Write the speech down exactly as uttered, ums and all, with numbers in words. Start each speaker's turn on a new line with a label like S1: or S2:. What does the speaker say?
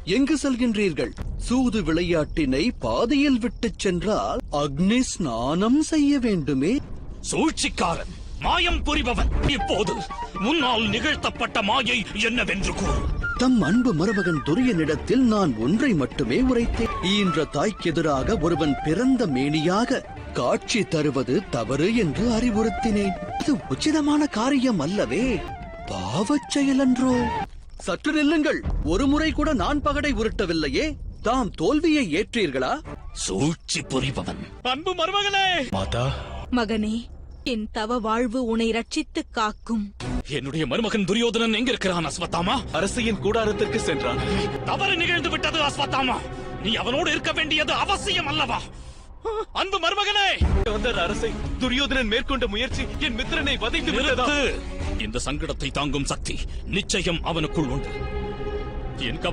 S1: எங்கு செல்கின்றீர்கள்? சூது விளையாட்டினை பாதையில் விட்டுச் சென்றால் அக்னி ஸ்நானம் செய்ய வேண்டுமே.
S2: சூழ்ச்சிக்காரன், மாயம் புரிபவன், இப்போது முன்னால் நிகழ்த்தப்பட்ட மாயை என்னவென்று கூறு.
S1: தம் அன்பு மருமகன் துரியனிடத்தில் நான் ஒன்றை மட்டுமே உரைத்தேன். ஈன்ற தாய்க்கு எதிராக ஒருவன் பிறந்த மேனியாக காட்சி தருவது தவறு என்று அறிவுறுத்தினேன். இது உச்சிதமான காரியம் அல்லவே, பாவச் செயலன்றோ? சற்று நில்லுங்கள். ஒரு முறை கூட நான் பகடை உருட்டவில்லையே. தாம் தோல்வியை ஏற்றீர்களா?
S2: சூழ்ச்சி புரிபவன், அன்பு மருமகனே. மாதா,
S3: மகனே, என் தவ வாழ்வு உன்னை ரட்சித்து காக்கும்.
S2: என்னுடைய மருமகன் துரியோதனன் எங்கிருக்கிறான் அஸ்வத்தாமா?
S4: அரசியின் கூடாரத்திற்கு சென்றான்.
S2: தவறு நிகழ்ந்து விட்டது அஸ்வத்தாமா. நீ அவனோடு இருக்க வேண்டியது அவசியம் அல்லவா? அன்பு மருமகனே,
S4: அரசை துரியோதனன் மேற்கொண்ட முயற்சி என் மித்திரனை வதைத்து விட்டதா?
S2: இந்த சங்கடத்தை தாங்கும் சக்தி நிச்சயம் அவனுக்குள் உண்டு. என்